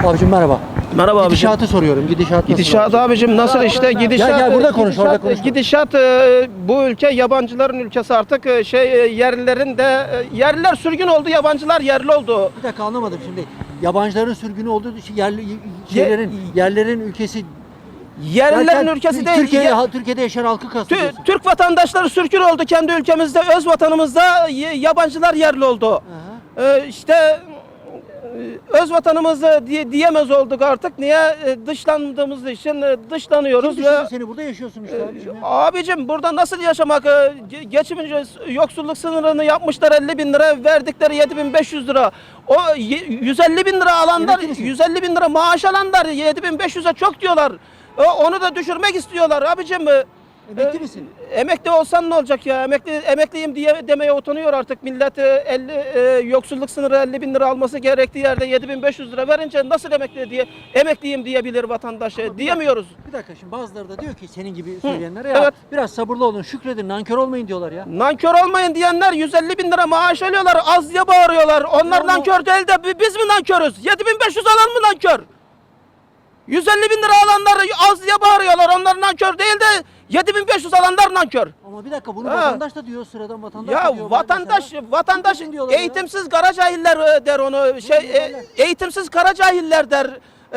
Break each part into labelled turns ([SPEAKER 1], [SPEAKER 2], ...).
[SPEAKER 1] Abicim merhaba.
[SPEAKER 2] Merhaba abicim.
[SPEAKER 1] Gidişatı soruyorum.
[SPEAKER 2] Gidişat abicim nasıl işte gidişat?
[SPEAKER 1] Gel burada konuş, orada konuş.
[SPEAKER 2] Gidişat bu ülke yabancıların ülkesi artık yerlilerin de yerliler sürgün oldu, yabancılar yerli oldu.
[SPEAKER 1] Bir dakika anlamadım şimdi. Yabancıların sürgünü olduğu yerlerin ülkesi.
[SPEAKER 2] Yerlilerin ülkesi değil.
[SPEAKER 1] Türkiye'de yaşayan halkı kastediyorsun.
[SPEAKER 2] Türk vatandaşları sürgün oldu kendi ülkemizde, öz vatanımızda yabancılar yerli oldu. İşte öz vatanımızı diyemez olduk artık. Niye? Dışlandığımız için dışlanıyoruz.
[SPEAKER 1] Kim düşündü seni? Burada yaşıyorsun işte abicim.
[SPEAKER 2] Abicim burada nasıl yaşamak? Geçimince yoksulluk sınırını yapmışlar 50 bin lira, verdikleri 7.500 lira. O 150 bin lira alanlar, 150 bin lira maaş alanlar 7.500'e çok diyorlar. Onu da düşürmek istiyorlar abicim.
[SPEAKER 1] Emekli misin?
[SPEAKER 2] Emekli olsan ne olacak ya? Emekliyim diye demeye utanıyor artık millet. Yoksulluk sınırı 50 bin lira alması gerektiği yerde 7.500 lira verince nasıl emekliyim diyebilir vatandaş? Diyemiyoruz.
[SPEAKER 1] Bir dakika şimdi bazıları da diyor ki senin gibi söyleyenlere ya
[SPEAKER 2] evet.
[SPEAKER 1] Biraz sabırlı olun, şükredin, nankör olmayın diyorlar ya.
[SPEAKER 2] Nankör olmayın diyenler 150 bin lira maaş alıyorlar, az diye bağırıyorlar. Onlar nankör değil de biz mi nankörüz? 7.500 alan mı nankör? 150 bin lira alanlar az diye bağırıyorlar. Onlar nankör değil de 7.500 alanlar nankör.
[SPEAKER 1] Ama bir dakika bunu vatandaş da diyor, sıradan vatandaş
[SPEAKER 2] Ya
[SPEAKER 1] da diyor.
[SPEAKER 2] vatandaş eğitimsiz kara cahiller der onu. Eğitimsiz kara cahiller der.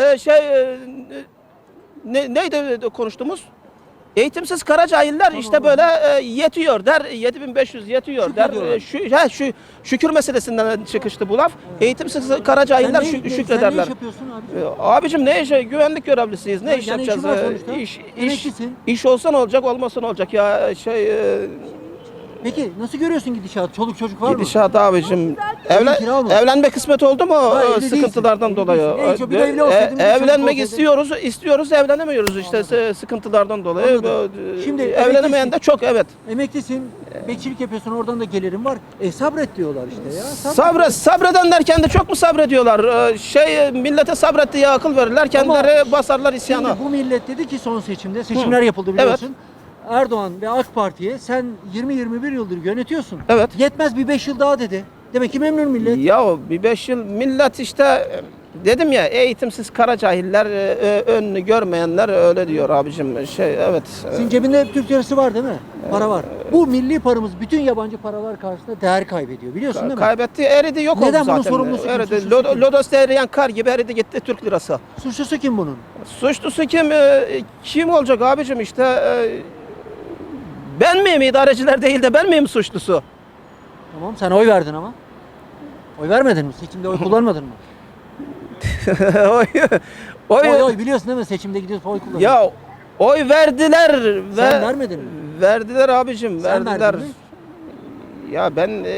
[SPEAKER 2] Neydi konuştuğumuz? Eğitimsiz kara cahiller işte böyle yetiyor der. 7.500 yetiyor der. Şükür meselesinden çıkıştı bu laf. Eğitimsiz kara cahiller şükrederler.
[SPEAKER 1] Sen ne iş yapıyorsun abicim?
[SPEAKER 2] Abicim ne iş? Güvenlik görevlisiyiz. Ne iş
[SPEAKER 1] yani
[SPEAKER 2] yapacağız? İş olsa ne olacak, olmasa ne olacak ya
[SPEAKER 1] Peki nasıl görüyorsun gidişatı? Çoluk çocuk var mı?
[SPEAKER 2] Gidişat abicim.
[SPEAKER 1] Kira mı?
[SPEAKER 2] Evlenme kısmet oldu mu
[SPEAKER 1] Evli
[SPEAKER 2] sıkıntılardan
[SPEAKER 1] değilsin.
[SPEAKER 2] dolayı?
[SPEAKER 1] Neyse, bir evli olsaydın, bir
[SPEAKER 2] Evlenmek
[SPEAKER 1] çocuk
[SPEAKER 2] istiyoruz, evlenemiyoruz işte sıkıntılardan dolayı.
[SPEAKER 1] Anladım. Şimdi
[SPEAKER 2] Evlenemeyen de çok, evet.
[SPEAKER 1] Emeklisin, bekçilik yapıyorsun, oradan da gelirim var. Sabret diyorlar işte ya.
[SPEAKER 2] Sabredenler kendi çok mu sabrediyorlar? Millete sabret diye akıl verirler, kendileri basarlar isyana.
[SPEAKER 1] Şimdi bu millet dedi ki son seçimler yapıldı biliyorsun.
[SPEAKER 2] Evet.
[SPEAKER 1] Erdoğan ve AK Parti'ye sen 20-21 yıldır yönetiyorsun.
[SPEAKER 2] Evet.
[SPEAKER 1] Yetmez bir 5 yıl daha dedi. Demek ki memnun millet.
[SPEAKER 2] Ya bir 5 yıl millet işte dedim ya, eğitimsiz kara cahiller, önünü görmeyenler öyle diyor abicim. Evet.
[SPEAKER 1] Senin cebinde hep Türk lirası var değil mi? Para var. Bu milli paramız bütün yabancı paralar karşısında değer kaybediyor. Biliyorsun değil mi?
[SPEAKER 2] Kaybetti, eridi, yok oldu zaten.
[SPEAKER 1] Neden bunun sorumlusu kim?
[SPEAKER 2] Eridi.
[SPEAKER 1] Suçlusu kim?
[SPEAKER 2] Lodos'ta eriyen kar gibi eridi gitti Türk lirası.
[SPEAKER 1] Suçlusu kim bunun?
[SPEAKER 2] Suçlusu kim? Kim olacak abicim işte? Ben miyim, idareciler değil de ben miyim suçlusu?
[SPEAKER 1] Tamam sen oy verdin ama. Oy vermedin mi? Seçimde oy kullanmadın mı? Oy biliyorsun değil mi? Seçimde gidiyorsun oy kullanıyorsun.
[SPEAKER 2] Ya oy verdiler.
[SPEAKER 1] Sen vermedin mi?
[SPEAKER 2] Verdiler abicim,
[SPEAKER 1] Sen
[SPEAKER 2] verdiler.
[SPEAKER 1] verdin mi?
[SPEAKER 2] Ya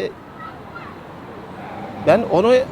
[SPEAKER 2] ben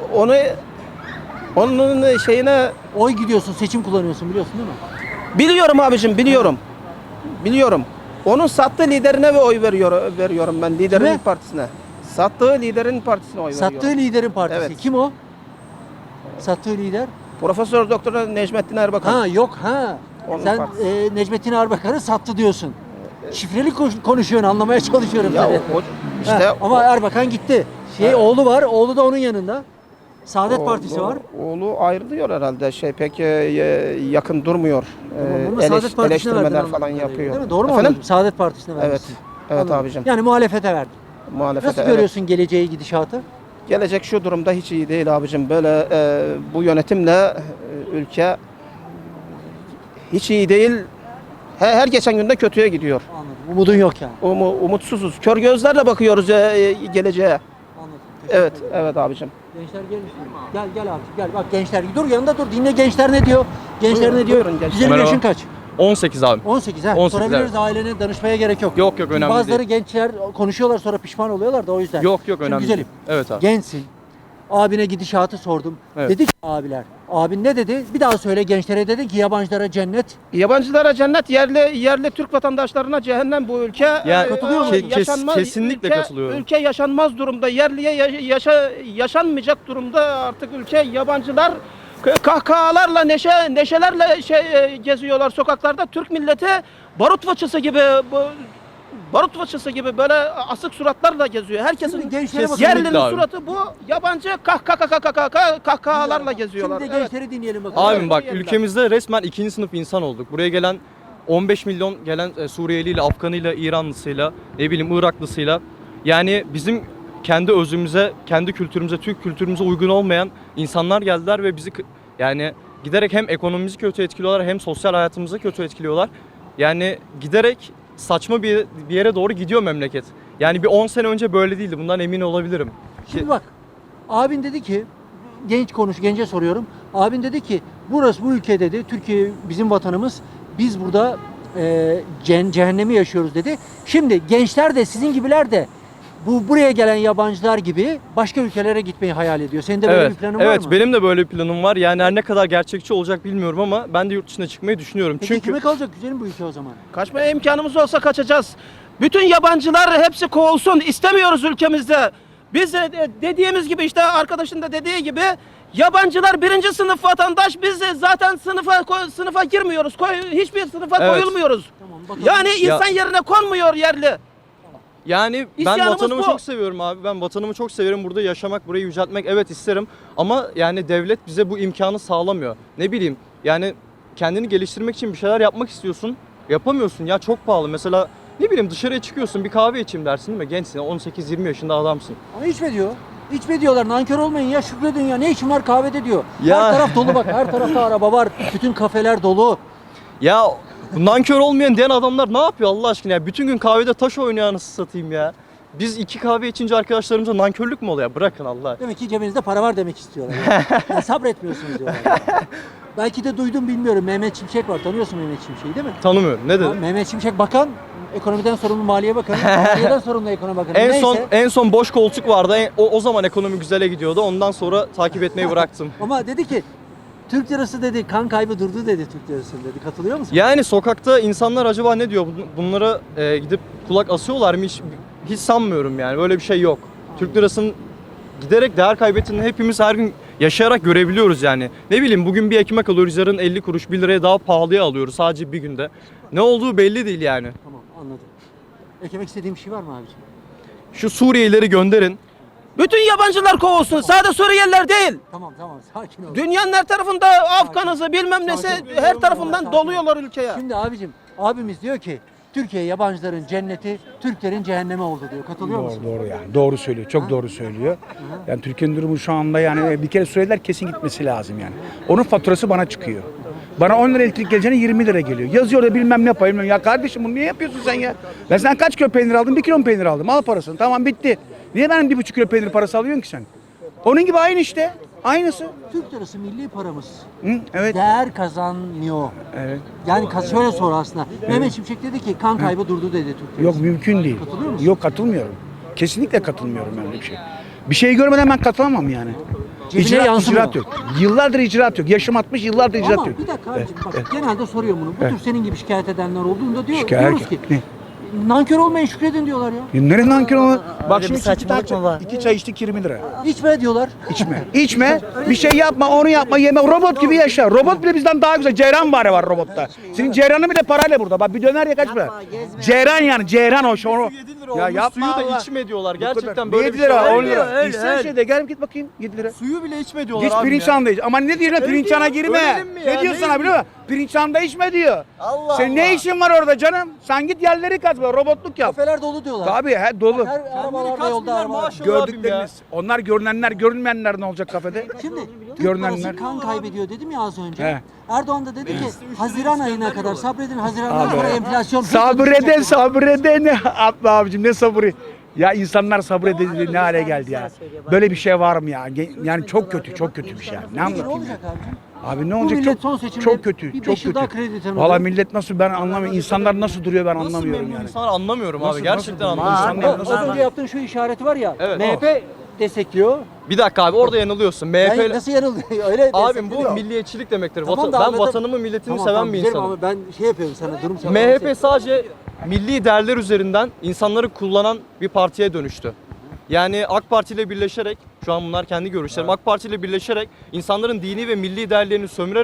[SPEAKER 2] onun şeyine
[SPEAKER 1] Oy gidiyorsun, seçim kullanıyorsun biliyorsun değil mi?
[SPEAKER 2] biliyorum abicim, biliyorum. Onun sattığı liderine ve oy veriyorum ben, liderin
[SPEAKER 1] Kime?
[SPEAKER 2] partisine. Sattığı liderin partisine oy veriyorum.
[SPEAKER 1] Sattığı liderin partisi.
[SPEAKER 2] Evet.
[SPEAKER 1] Kim o? Sattığı lider?
[SPEAKER 2] Profesör Doktor Necmettin Erbakan.
[SPEAKER 1] Ha yok ha.
[SPEAKER 2] Onun
[SPEAKER 1] Sen
[SPEAKER 2] partisi.
[SPEAKER 1] Necmettin Erbakan'ı sattı diyorsun. Şifreli konuşuyorsun, anlamaya çalışıyorum
[SPEAKER 2] Ya
[SPEAKER 1] seni.
[SPEAKER 2] işte
[SPEAKER 1] ama Erbakan gitti. Oğlu var, oğlu da onun yanında. Saadet Partisi var.
[SPEAKER 2] Oğlu ayrılıyor herhalde. Pek yakın durmuyor.
[SPEAKER 1] Ama Saadet Partisi'ne verdin
[SPEAKER 2] Eleştirmeler
[SPEAKER 1] anladığım
[SPEAKER 2] falan
[SPEAKER 1] kadarıyla,
[SPEAKER 2] yapıyor.
[SPEAKER 1] değil mi? Doğru mu
[SPEAKER 2] Efendim?
[SPEAKER 1] anladım? Saadet Partisi'ne
[SPEAKER 2] Evet.
[SPEAKER 1] vermişsin.
[SPEAKER 2] Evet
[SPEAKER 1] Anladım.
[SPEAKER 2] abicim.
[SPEAKER 1] Yani muhalefete verdin.
[SPEAKER 2] Muhalefete,
[SPEAKER 1] Nasıl
[SPEAKER 2] evet.
[SPEAKER 1] görüyorsun geleceği, gidişatı?
[SPEAKER 2] Gelecek şu durumda hiç iyi değil abicim. Böyle bu yönetimle ülke hiç iyi değil. Her geçen günde kötüye gidiyor.
[SPEAKER 1] Anladım. Umudun yok yani.
[SPEAKER 2] Umutsuzuz. Kör gözlerle bakıyoruz geleceğe.
[SPEAKER 1] Anladım. Teşekkür
[SPEAKER 2] Evet,
[SPEAKER 1] ederim.
[SPEAKER 2] evet abicim.
[SPEAKER 1] Gençler gelin. Gel abi gel. Bak gençler dur yanında dur. Dinle gençler ne diyor? Gençler ne diyor?
[SPEAKER 2] Buyurun gençler.
[SPEAKER 1] Güzelim
[SPEAKER 3] Merhaba.
[SPEAKER 1] yaşın kaç?
[SPEAKER 3] 18 abi.
[SPEAKER 1] 18 ha.
[SPEAKER 3] 18,
[SPEAKER 1] Sorabiliriz
[SPEAKER 3] evet.
[SPEAKER 1] ailene danışmaya gerek yok.
[SPEAKER 3] Yok,
[SPEAKER 1] Çünkü
[SPEAKER 3] önemli
[SPEAKER 1] bazıları
[SPEAKER 3] değil.
[SPEAKER 1] gençler konuşuyorlar sonra pişman oluyorlar da o yüzden.
[SPEAKER 3] Yok
[SPEAKER 1] Şimdi
[SPEAKER 3] önemli
[SPEAKER 1] güzelim.
[SPEAKER 3] değil. Evet abi.
[SPEAKER 1] Gençsin. Abine gidişatı sordum.
[SPEAKER 3] Evet.
[SPEAKER 1] Dedi ki abiler. Abin ne dedi? Bir daha söyle gençlere dedi ki yabancılara cennet.
[SPEAKER 2] Yabancılara cennet, yerli Türk vatandaşlarına cehennem bu ülke.
[SPEAKER 3] Yani
[SPEAKER 1] katılıyor musun?
[SPEAKER 3] Kesinlikle katılıyorum.
[SPEAKER 2] Ülke yaşanmaz durumda. Yerliye yaşanmayacak durumda artık ülke. Yabancılar kahkahalarla, neşelerle geziyorlar sokaklarda. Türk milleti barut fıçısı gibi barut fıçısı gibi böyle asık suratlarla geziyor. Herkesin
[SPEAKER 1] Şimdi gençlere bakın.
[SPEAKER 3] Kesinlikle
[SPEAKER 2] yerlinin
[SPEAKER 3] abi.
[SPEAKER 2] suratı bu, yabancı kahkahalarla geziyorlar.
[SPEAKER 1] Şimdi de
[SPEAKER 2] Evet.
[SPEAKER 1] gençleri dinleyelim bakalım.
[SPEAKER 3] Abim bak,
[SPEAKER 2] Evet.
[SPEAKER 3] ülkemizde resmen ikinci sınıf insan olduk. Buraya gelen 15 milyon gelen Suriyeliyle, Afganıyla, İranlısıyla, ne bileyim Iraklısıyla, yani bizim kendi özümüze, kendi kültürümüze, Türk kültürümüze uygun olmayan insanlar geldiler ve bizi yani giderek hem ekonomimizi kötü etkiliyorlar hem sosyal hayatımızı kötü etkiliyorlar. Yani giderek saçma bir yere doğru gidiyor memleket. Yani bir 10 sene önce böyle değildi. Bundan emin olabilirim.
[SPEAKER 1] Şimdi bak, abin dedi ki, gence soruyorum. Abin dedi ki, burası bu ülke dedi, Türkiye bizim vatanımız, biz burada cehennemi yaşıyoruz dedi. Şimdi gençler de sizin gibiler de buraya gelen yabancılar gibi başka ülkelere gitmeyi hayal ediyor. Senin de böyle
[SPEAKER 3] Evet,
[SPEAKER 1] bir planın var
[SPEAKER 3] evet,
[SPEAKER 1] mı?
[SPEAKER 3] benim de böyle bir planım var. Yani her ne kadar gerçekçi olacak bilmiyorum ama ben de yurt dışına çıkmayı düşünüyorum.
[SPEAKER 1] Peki
[SPEAKER 3] Çünkü
[SPEAKER 1] kime kalacak güzelim bu ülke o zaman?
[SPEAKER 2] Kaçmaya imkanımız olsa kaçacağız. Bütün yabancılar hepsi kovulsun. İstemiyoruz ülkemizde. Biz de dediğimiz gibi, işte arkadaşın da dediği gibi, yabancılar birinci sınıf vatandaş. Biz de zaten sınıfa girmiyoruz. Hiçbir sınıfa
[SPEAKER 3] Evet.
[SPEAKER 2] koyulmuyoruz.
[SPEAKER 1] Tamam, bakalım.
[SPEAKER 2] Yani insan yerine konmuyor yerli.
[SPEAKER 3] yani ben
[SPEAKER 2] İsyanımız
[SPEAKER 3] vatanımı
[SPEAKER 2] bu.
[SPEAKER 3] çok seviyorum abi. Ben vatanımı çok severim. Burada yaşamak, burayı yüceltmek evet isterim. Ama yani devlet bize bu imkanı sağlamıyor. Ne bileyim, yani kendini geliştirmek için bir şeyler yapmak istiyorsun. Yapamıyorsun ya, çok pahalı. Mesela ne bileyim, dışarıya çıkıyorsun, bir kahve içeyim dersin değil mi? Gençsin, 18-20 yaşında adamsın.
[SPEAKER 1] Ama içme diyor. İçme diyorlar. Nankör olmayın ya, şükredin ya. Ne işin var kahvede diyor.
[SPEAKER 3] Ya.
[SPEAKER 1] Her taraf dolu bak. Her tarafta araba var. Bütün kafeler dolu.
[SPEAKER 3] Ya nankör olmayan diyen adamlar ne yapıyor Allah aşkına ya? Bütün gün kahvede taş oynuyor, anasını satayım ya. Biz 2 kahve içince arkadaşlarımıza nankörlük mü oluyor? Bırakın Allah.
[SPEAKER 1] Demek ki cebinizde para var demek istiyorlar. Yani sabretmiyorsunuz diyorlar. Belki de duydum, bilmiyorum. Mehmet Şimşek var. Tanıyorsun Mehmet Şimşek'i değil mi?
[SPEAKER 3] Tanımıyorum. Ne dedi?
[SPEAKER 1] Mehmet Şimşek bakan, ekonomiden sorumlu Maliye Bakanı, maliyeden sorumlu ekonomi bakanı.
[SPEAKER 3] En son boş koltuk vardı. O zaman ekonomi güzele gidiyordu. Ondan sonra takip etmeyi bıraktım.
[SPEAKER 1] Ama dedi ki Türk lirası dedi, kan kaybı durdu dedi Türk lirası dedi. Katılıyor musun?
[SPEAKER 3] Yani sokakta insanlar acaba ne diyor? Bunlara gidip kulak asıyorlar mı? Hiç sanmıyorum yani. Böyle bir şey yok. Türk lirasının giderek değer kaybettiğini hepimiz her gün yaşayarak görebiliyoruz yani. Ne bileyim, bugün bir ekmek alıyoruz, yarın 50 kuruş 1 liraya daha pahalıya alıyoruz sadece bir günde. Ne olduğu belli değil yani.
[SPEAKER 1] Tamam, anladım. Eklemek istediğim bir şey var mı abiciğim?
[SPEAKER 3] Şu Suriyelileri gönderin.
[SPEAKER 2] Bütün yabancılar kovulsun. Sadece Suriyeliler değil.
[SPEAKER 1] Tamam, sakin ol.
[SPEAKER 2] Dünyanın her tarafında Afganızı bilmem nesi, her tarafından doluyorlar ülkeye.
[SPEAKER 1] Şimdi abicim, abimiz diyor ki Türkiye yabancıların cenneti, Türklerin cehennemi oldu diyor. Katılıyor musun?
[SPEAKER 4] Doğru yani. Doğru söylüyor. Çok doğru söylüyor. Yani Türkiye'nin durumu şu anda yani bir kere Suriyeliler kesin gitmesi lazım yani. Onun faturası bana çıkıyor. Bana 10 lira elektrik geleceğine 20 lira geliyor. Yazıyor da bilmem ne payım. Ya kardeşim bunu niye yapıyorsun sen ya? Ben sen kaç kilo peynir aldın? 1 kilo peynir aldım. Al parasını. Tamam bitti. Niye benim 1,5 kilo peynir parası alıyorsun ki sen? Onun gibi aynı işte. Aynısı.
[SPEAKER 1] Türk lirası milli paramız.
[SPEAKER 4] Hı? Evet.
[SPEAKER 1] Değer kazanmıyor.
[SPEAKER 4] Evet.
[SPEAKER 1] Yani şöyle sor aslında. Mehmet Şimşek dedi ki kan kaybı durdu dedi Türk lirası.
[SPEAKER 4] Yok mümkün değil.
[SPEAKER 1] Katılıyor musun?
[SPEAKER 4] Yok katılmıyorum. Kesinlikle katılmıyorum öyle bir şey. Bir şey görmeden ben katılamam yani.
[SPEAKER 1] Cebine yansımıyor.
[SPEAKER 4] icraat yok. Yıllardır icraat yok. Yaşım 60 yıllardır icraat
[SPEAKER 1] Ama
[SPEAKER 4] yok.
[SPEAKER 1] bir dakika abicim bak,
[SPEAKER 4] Evet.
[SPEAKER 1] genelde soruyorum bunu. Bu tür senin gibi şikayet edenler olduğunda
[SPEAKER 4] Şikayet-
[SPEAKER 1] diyoruz ki
[SPEAKER 4] Ne?
[SPEAKER 1] nankör olmayın, şükredin diyorlar ya.
[SPEAKER 4] Nereden nankör olur? Bak
[SPEAKER 5] bir
[SPEAKER 4] şimdi
[SPEAKER 5] saçmalık mı var?
[SPEAKER 4] 2 çay içtik 20 lira.
[SPEAKER 1] İçme diyorlar.
[SPEAKER 4] İçme. İçme. Bir şey yapma, onu yapma, yeme. Robot gibi yaşa. Robot bile bizden daha güzel. Ceyran var robotta. Senin ceyranın bile parayla burada. Bak bir döner ya kaç para? Ceyran yani. Ceyran o şu onu. Ya yapma
[SPEAKER 3] Suyu da
[SPEAKER 4] Allah.
[SPEAKER 3] içme diyorlar.
[SPEAKER 4] Bu kadar.
[SPEAKER 3] Gerçekten böyle
[SPEAKER 4] 7
[SPEAKER 3] bir şey
[SPEAKER 4] lira,
[SPEAKER 3] var
[SPEAKER 4] 10
[SPEAKER 3] mı?
[SPEAKER 4] lira.
[SPEAKER 5] öyle,
[SPEAKER 4] İçsen
[SPEAKER 5] öyle.
[SPEAKER 4] şeyde gel git bakayım 7 lira.
[SPEAKER 3] Suyu bile içme diyorlar
[SPEAKER 4] Git
[SPEAKER 3] abi
[SPEAKER 4] pirinç
[SPEAKER 3] ya.
[SPEAKER 4] hanında iç. Ama ne diyor lan pirinç hana girme.
[SPEAKER 3] Ölelim mi ya?
[SPEAKER 4] Ne diyor
[SPEAKER 3] Ne
[SPEAKER 4] sana
[SPEAKER 3] diyor?
[SPEAKER 4] biliyor musun? Pirinç hanında içme diyor.
[SPEAKER 3] Allah
[SPEAKER 4] Senin ne işin var orada canım? Sen git yerleri kazma, robotluk yap.
[SPEAKER 1] Kafeler dolu diyorlar.
[SPEAKER 4] Tabii he dolu.
[SPEAKER 1] Her arabalarda
[SPEAKER 3] kaç
[SPEAKER 1] yolda
[SPEAKER 3] milyar
[SPEAKER 1] araba.
[SPEAKER 3] maaş alıyor abim
[SPEAKER 4] Gördükleriniz. Onlar görünenler, görünmeyenler ne olacak kafede?
[SPEAKER 1] Şimdi Türk
[SPEAKER 4] Görünenler.
[SPEAKER 1] parası kan kaybediyor dedim ya az önce.
[SPEAKER 4] He.
[SPEAKER 1] Erdoğan da dedi ki Haziran ayına kadar sabredin, Haziran'dan sonra enflasyon
[SPEAKER 4] Sabreden sabreden atla abicim ne sabrı. Ya insanlar sabredildi ne hale geldi ya. Böyle bir şey var mı ya? Yani çok kötü, çok kötü bir şey. Yani. Ne
[SPEAKER 1] Peki ne
[SPEAKER 4] anlatayım
[SPEAKER 1] olacak
[SPEAKER 4] ya?
[SPEAKER 1] abicim?
[SPEAKER 4] Abi ne
[SPEAKER 1] Bu
[SPEAKER 4] olacak?
[SPEAKER 1] millet son
[SPEAKER 4] Çok,
[SPEAKER 1] seçimde
[SPEAKER 4] çok kötü,
[SPEAKER 1] bir
[SPEAKER 4] çok
[SPEAKER 1] 5 yıl daha
[SPEAKER 4] kötü.
[SPEAKER 1] kredi tanıdı.
[SPEAKER 4] Valla millet nasıl ben anlamıyorum. İnsanlar nasıl duruyor ben
[SPEAKER 3] Nasıl
[SPEAKER 4] anlamıyorum
[SPEAKER 3] memnun
[SPEAKER 4] yani.
[SPEAKER 3] insan anlamıyorum
[SPEAKER 4] Nasıl-
[SPEAKER 3] abi. Gerçekten
[SPEAKER 4] nasıl-
[SPEAKER 3] anlamıyorum.
[SPEAKER 4] İnsanlar
[SPEAKER 1] Az
[SPEAKER 4] nasıl-
[SPEAKER 1] önce yaptığın şu işareti var ya.
[SPEAKER 3] Evet.
[SPEAKER 1] MHP destekliyor.
[SPEAKER 3] Bir dakika abi, orada yanılıyorsun.
[SPEAKER 1] Ben
[SPEAKER 3] MHP
[SPEAKER 1] nasıl yanıldı? Öyle
[SPEAKER 3] abim bu
[SPEAKER 1] destekliyor.
[SPEAKER 3] milliyetçilik demektir.
[SPEAKER 1] Tamam da
[SPEAKER 3] Ben
[SPEAKER 1] anladım.
[SPEAKER 3] vatanımı, milletimi
[SPEAKER 1] Tamam,
[SPEAKER 3] seven
[SPEAKER 1] tamam,
[SPEAKER 3] bir
[SPEAKER 1] güzelim
[SPEAKER 3] insanım.
[SPEAKER 1] ama ben şey yapıyorum sana, durum sana.
[SPEAKER 3] MHP sadece milli değerler üzerinden insanları kullanan bir partiye dönüştü. Yani AK Parti ile birleşerek, şu an bunlar kendi görüşlerim, AK Parti ile birleşerek insanların dini ve milli değerlerini sömürerek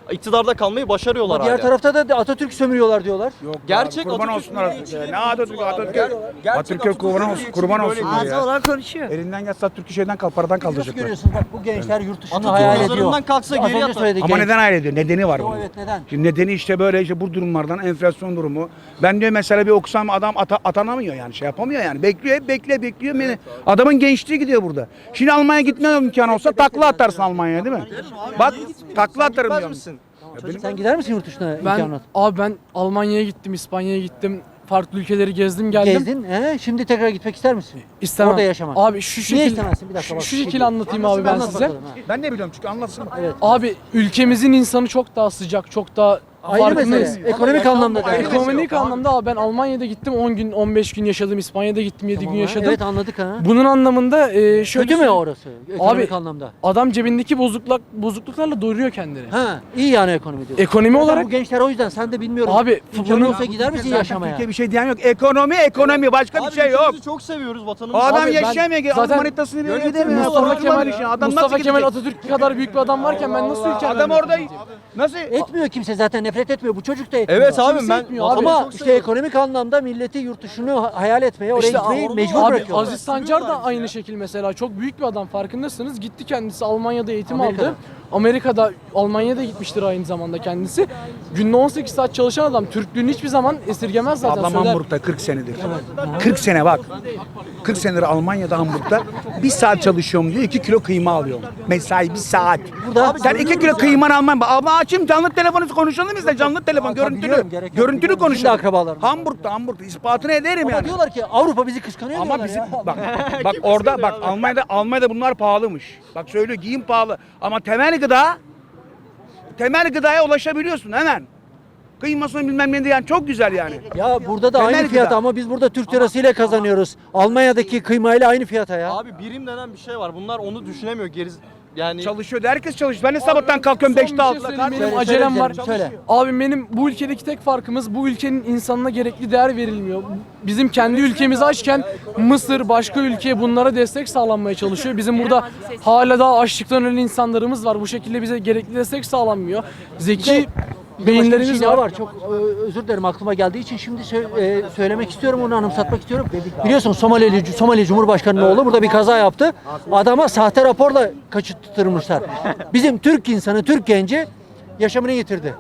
[SPEAKER 3] iktidarda kalmayı başarıyorlar
[SPEAKER 1] Ama diğer
[SPEAKER 3] hala.
[SPEAKER 1] tarafta da Atatürk sömürüyorlar diyorlar.
[SPEAKER 4] Yok
[SPEAKER 3] Gerçek
[SPEAKER 4] kurban
[SPEAKER 3] Atatürk
[SPEAKER 4] olsunlar.
[SPEAKER 3] milliyetçiliği
[SPEAKER 4] Ne Atatürk?
[SPEAKER 3] Gerçek
[SPEAKER 4] Atatürk'e kurban olsun, kurban
[SPEAKER 3] milliyetçiliği
[SPEAKER 4] olsun
[SPEAKER 3] böyle
[SPEAKER 4] ya.
[SPEAKER 5] olarak konuşuyor.
[SPEAKER 4] Elinden gelse Atatürk'ü şeyden paradan
[SPEAKER 1] Nasıl
[SPEAKER 4] kaldıracaklar.
[SPEAKER 1] görüyorsunuz bak bu gençler yurt dışını
[SPEAKER 3] Atatürk
[SPEAKER 1] hayal ediyor.
[SPEAKER 3] mezarından kalksa
[SPEAKER 1] Az
[SPEAKER 3] geriye
[SPEAKER 1] önce
[SPEAKER 3] atar.
[SPEAKER 1] söyledik.
[SPEAKER 4] Ama
[SPEAKER 1] genç.
[SPEAKER 4] neden hayal ediyor? Nedeni var
[SPEAKER 1] Yo,
[SPEAKER 4] bunun.
[SPEAKER 1] evet neden?
[SPEAKER 4] Şimdi nedeni işte böyle işte bu durumlardan enflasyon durumu. Ben diyor mesela bir okusam adam atanamıyor yani şey yapamıyor yani. Bekliyor hep bekliyor. Adamın gençliği gidiyor burada. Şimdi Almanya'ya gitme imkanı olsa takla atarsın Almanya'ya değil mi? Bak takla atarım
[SPEAKER 3] Gitmez
[SPEAKER 4] diyorum.
[SPEAKER 3] misin?
[SPEAKER 1] Sen gider misin yurt dışına imkanı?
[SPEAKER 6] Ben Almanya'ya gittim, İspanya'ya gittim. Farklı ülkeleri gezdim geldim.
[SPEAKER 1] Gezdin. Şimdi tekrar gitmek ister misin?
[SPEAKER 6] İstemem.
[SPEAKER 1] Orada yaşamak.
[SPEAKER 6] Abi şu
[SPEAKER 1] Niye
[SPEAKER 6] şekil
[SPEAKER 1] istemezsin? Bir dakika bak.
[SPEAKER 6] şu şekil anlatayım abi ben
[SPEAKER 1] Anlat
[SPEAKER 6] size.
[SPEAKER 1] bakalım, ha.
[SPEAKER 4] Ben ne biliyorum çünkü anlatsın.
[SPEAKER 1] Evet.
[SPEAKER 6] Abi ülkemizin insanı çok daha sıcak, çok daha
[SPEAKER 1] Ayrı
[SPEAKER 6] farkındayız.
[SPEAKER 1] mesele. Ekonomik anlamda da.
[SPEAKER 6] Ekonomik anlamda abi ben Almanya'da gittim 10 gün 15 gün yaşadım. İspanya'da gittim 7 gün yaşadım.
[SPEAKER 1] Evet anladık ha.
[SPEAKER 6] Bunun anlamında şöyle
[SPEAKER 1] Kötü mü
[SPEAKER 6] söyleyeyim.
[SPEAKER 1] orası? Ekonomik
[SPEAKER 6] Abi,
[SPEAKER 1] anlamda.
[SPEAKER 6] Adam cebindeki bozukluklarla doyuruyor kendini.
[SPEAKER 1] Ha, iyi yani ekonomi diyorsun.
[SPEAKER 6] Ekonomi
[SPEAKER 1] Zaten
[SPEAKER 6] olarak
[SPEAKER 1] bu gençler o yüzden sen de bilmiyorum.
[SPEAKER 6] Abi,
[SPEAKER 1] İmkanı
[SPEAKER 6] bunun-
[SPEAKER 1] olsa gider misin yaşamaya?
[SPEAKER 4] Türkiye bir şey diyen yok. Ekonomi başka bir şey yok.
[SPEAKER 3] ülkemizi çok seviyoruz
[SPEAKER 4] O
[SPEAKER 3] vatanımızı.
[SPEAKER 4] adam
[SPEAKER 6] Abi ben
[SPEAKER 4] yaşayamıyor.
[SPEAKER 6] zaten
[SPEAKER 4] Manitasını bir
[SPEAKER 3] yönetim
[SPEAKER 4] ödemiyor.
[SPEAKER 6] Mustafa Kemal,
[SPEAKER 4] Adam
[SPEAKER 6] Mustafa
[SPEAKER 4] nasıl
[SPEAKER 6] Kemal
[SPEAKER 4] gidecek?
[SPEAKER 6] Atatürk kadar büyük bir adam varken ben nasıl ülkemden
[SPEAKER 4] Adam orada
[SPEAKER 6] nefret edeyim?
[SPEAKER 4] nasıl?
[SPEAKER 1] Etmiyor kimse zaten nefret etmiyor. Bu çocuk da etmiyor.
[SPEAKER 3] Evet abi
[SPEAKER 6] Kimse
[SPEAKER 3] ben
[SPEAKER 6] etmiyor abi.
[SPEAKER 1] Ama
[SPEAKER 3] çok
[SPEAKER 1] işte
[SPEAKER 3] seviyorum.
[SPEAKER 1] ekonomik anlamda milleti yurt dışını hayal etmeye, oraya
[SPEAKER 6] İşte
[SPEAKER 1] gitmeyi
[SPEAKER 6] abi,
[SPEAKER 1] mecbur bırakıyorlar.
[SPEAKER 6] Aziz Sancar da aynı şekil mesela çok büyük bir adam farkındasınız. Gitti kendisi Almanya'da eğitim
[SPEAKER 1] Amerika'da.
[SPEAKER 6] aldı. Amerika'da, Almanya'da gitmiştir aynı zamanda kendisi. Günde 18 saat çalışan adam Türklüğünü hiçbir zaman esirgemez zaten.
[SPEAKER 4] Ablam
[SPEAKER 6] söyler.
[SPEAKER 4] Hamburg'da 40 senedir. 40 sene bak. 40 senedir Almanya'da Hamburg'da bir saat çalışıyorum diyor 2 kilo kıyma alıyorum. Mesai bir saat.
[SPEAKER 1] Burada-
[SPEAKER 4] Sen 2 kilo kıyman alman. Abla açayım canlı telefonu konuşalım biz de canlı telefon
[SPEAKER 1] Tabii biliyorum,
[SPEAKER 4] görüntülü.
[SPEAKER 1] gerek yok.
[SPEAKER 4] Görüntülü
[SPEAKER 1] Biliyorum, bizim de
[SPEAKER 4] konuşalım.
[SPEAKER 1] akrabalarımız.
[SPEAKER 4] Hamburg'da ispatını ederim
[SPEAKER 1] Ama
[SPEAKER 4] yani.
[SPEAKER 1] diyorlar ki Avrupa bizi kıskanıyor
[SPEAKER 4] Ama
[SPEAKER 1] diyorlar
[SPEAKER 4] bizim
[SPEAKER 1] ya.
[SPEAKER 4] bak orada bak Almanya'da bunlar pahalımış. Bak söylüyor giyim pahalı ama temel gıdaya ulaşabiliyorsun hemen. Kıymasını bilmem ne yani çok güzel yani.
[SPEAKER 1] Ya burada da
[SPEAKER 4] Temel
[SPEAKER 1] aynı fiyata
[SPEAKER 4] gıda.
[SPEAKER 1] ama biz burada Türk lirasıyla kazanıyoruz. Almanya'daki kıymayla aynı fiyata ya.
[SPEAKER 3] Abi birim denen bir şey var. Bunlar onu düşünemiyor. Yani
[SPEAKER 4] Çalışıyor. Herkes çalışıyor. Ben de sabahtan kalkıyorum
[SPEAKER 6] Son bir
[SPEAKER 4] 5'te
[SPEAKER 6] şey
[SPEAKER 4] 6'da
[SPEAKER 6] söyleyeyim,
[SPEAKER 4] kalkıyorum.
[SPEAKER 6] benim
[SPEAKER 1] Söyle,
[SPEAKER 6] acelem
[SPEAKER 1] söyle
[SPEAKER 6] var.
[SPEAKER 1] canım, söyle.
[SPEAKER 6] Abi benim bu ülkedeki tek farkımız bu ülkenin insanına gerekli değer verilmiyor. Bizim kendi ülkemiz açken Mısır başka ülkeye bunlara destek sağlanmaya çalışıyor. Bizim burada hala daha açlıktan ölen insanlarımız var. Bu şekilde bize gerekli destek sağlanmıyor. Zeki
[SPEAKER 1] Bir de başka bir
[SPEAKER 6] beyinlerimiz
[SPEAKER 1] şey daha
[SPEAKER 6] var.
[SPEAKER 1] var. Çok özür dilerim aklıma geldiği için şimdi söylemek istiyorum, onu anımsatmak istiyorum. Biliyorsun Somali Cumhurbaşkanı'nın oğlu burada bir kaza yaptı. Adama sahte raporla kaçırttırmışlar. Bizim Türk insanı, Türk genci yaşamını yitirdi.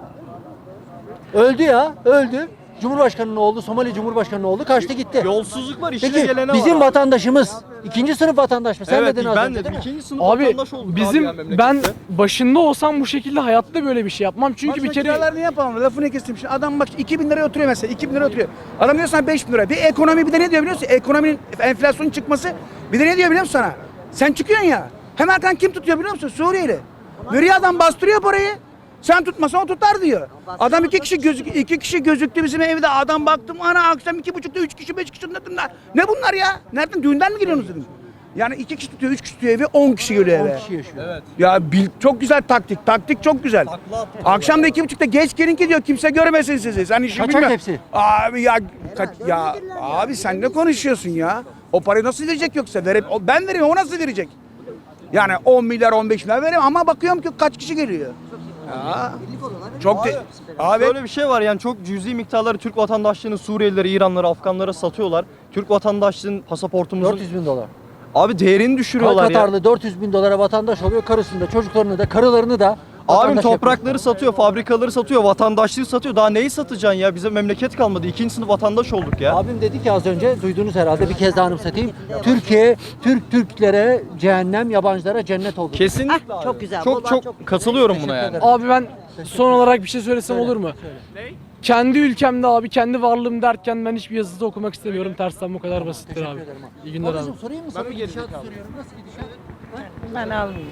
[SPEAKER 1] Öldü ya, öldü. Cumhurbaşkanı'nın oğlu, Somali Cumhurbaşkanı'nın oğlu kaçtı gitti.
[SPEAKER 3] yolsuzluk var, işine
[SPEAKER 1] Peki
[SPEAKER 3] gelene
[SPEAKER 1] bizim
[SPEAKER 3] var.
[SPEAKER 1] vatandaşımız ikinci sınıf vatandaş mı? Sen
[SPEAKER 3] Evet,
[SPEAKER 1] dedin az
[SPEAKER 3] ben
[SPEAKER 1] önce
[SPEAKER 3] de
[SPEAKER 1] değil mi?
[SPEAKER 3] ikinci sınıf
[SPEAKER 6] Abi
[SPEAKER 3] vatandaş olduk
[SPEAKER 6] bizim
[SPEAKER 3] abi ya
[SPEAKER 6] ben
[SPEAKER 3] memlekette.
[SPEAKER 6] başında olsam bu şekilde hayatta böyle bir şey yapmam. Çünkü bir kere
[SPEAKER 4] Kiralar ne yapalım? Lafını kestim. Şimdi adam bak 2000 liraya oturuyor mesela. 2000 liraya oturuyor. Adam diyor sana 5000 lira. Bir ekonomi bir de ne diyor biliyor musun? Ekonominin enflasyonun çıkması bir de ne diyor biliyor musun sana? Sen çıkıyorsun ya. Hemen arkadan kim tutuyor biliyor musun? Suriyeli. Veriyor adam bastırıyor parayı. Sen tutmasan o tutar diyor. Adam iki kişi gözüktü bizim evde. Adam baktım ana akşam 2.30'da 3 kişi 5 kişi bunlar. Ne bunlar ya? Nereden düğünden mi geliyorsunuz dedim. Yani 2 kişi tutuyor 3 kişi tutuyor evi 10 kişi geliyor eve.
[SPEAKER 1] 10 kişi yaşıyor.
[SPEAKER 3] Evet.
[SPEAKER 4] Ya çok güzel taktik. Taktik çok güzel. Akşam da 2.30'da geç gelin ki diyor kimse görmesin sizi. Sen işi
[SPEAKER 1] Kaçak
[SPEAKER 4] bilmiyorsun.
[SPEAKER 1] hepsi.
[SPEAKER 4] Abi ya abi sen ne konuşuyorsun ya? O parayı nasıl verecek yoksa? Ben vereyim o nasıl verecek? Yani 10 milyar 15 milyar vereyim ama bakıyorum ki kaç kişi geliyor. Ya. Çok abi
[SPEAKER 3] Böyle bir şey var yani çok cüzi miktarları Türk vatandaşlığını Suriyelilere, İranlara, Afganlara satıyorlar. Türk vatandaşlığının pasaportumuzun
[SPEAKER 1] 400 bin dolar.
[SPEAKER 3] abi değerini düşürüyorlar ya.
[SPEAKER 1] Katarlı 400 bin dolara vatandaş oluyor. Karısını da, çocuklarını da, karılarını da
[SPEAKER 3] Abim
[SPEAKER 1] vatandaş
[SPEAKER 3] toprakları satıyor, fabrikaları satıyor, vatandaşlığı satıyor. Daha neyi satacaksın ya? Bize memleket kalmadı. İkinci sınıf vatandaş olduk ya.
[SPEAKER 1] Abim dedi ki az önce, duydunuz herhalde, bir kez daha anımsatayım. Türklere cehennem, yabancılara cennet oldu.
[SPEAKER 3] Kesinlikle abi.
[SPEAKER 5] çok güzel,
[SPEAKER 3] Çok
[SPEAKER 5] vallahi çok
[SPEAKER 3] katılıyorum buna yani.
[SPEAKER 1] ederim.
[SPEAKER 6] abi ben son olarak bir şey söylesem olur mu? Kendi ülkemde abi kendi varlığım derken ben hiçbir yazıda okumak istemiyorum. Tersten bu kadar basittir abi. İyi günler abi.
[SPEAKER 1] Babacığım sorayım mı sana? Gidişatı soruyorum. Nasıl gidişat?
[SPEAKER 5] Ben almayayım.